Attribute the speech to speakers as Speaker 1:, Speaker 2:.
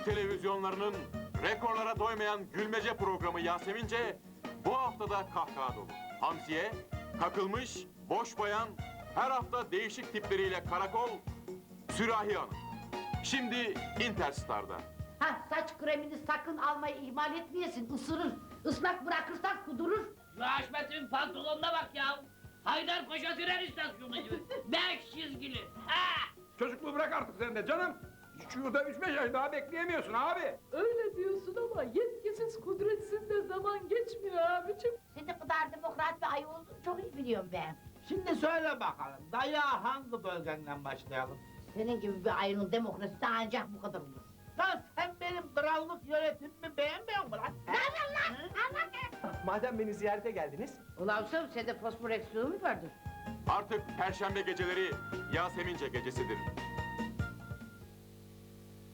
Speaker 1: televizyonlarının rekorlara doymayan gülmece programı Yasemince bu haftada kahkaha dolu. Hamsiye, kakılmış, boş bayan, her hafta değişik tipleriyle karakol, Sürahi Hanım. Şimdi Interstar'da.
Speaker 2: Ha, saç kremini sakın almayı ihmal etmeyesin, ısırır. Islak bırakırsan kudurur.
Speaker 3: Şu Haşmet'in pantolonuna bak ya. Haydarpaşa tren istasyonu gibi. 5 çizgili. Ha!
Speaker 4: Çocukluğu bırak artık sen de canım. Şurada 3-5 ay daha bekleyemiyorsun abi.
Speaker 5: Öyle diyorsun ama yetkisiz kudretsiz de zaman geçmiyor abicim.
Speaker 2: Sen de kadar demokrat bir ayı olduğunu çok iyi biliyorum ben.
Speaker 6: Şimdi söyle bakalım, dayağı hangi bölgenden başlayalım?
Speaker 2: Senin gibi bir ayının demokrasisi ancak bu kadar olur.
Speaker 6: Lan sen benim krallık yönetimimi beğenmiyor musun lan?
Speaker 7: Madem beni ziyarete geldiniz,
Speaker 2: Ulan sen, sende fosfor eksiği mi vardır?
Speaker 1: Artık Perşembe geceleri Yasemince gecesidir.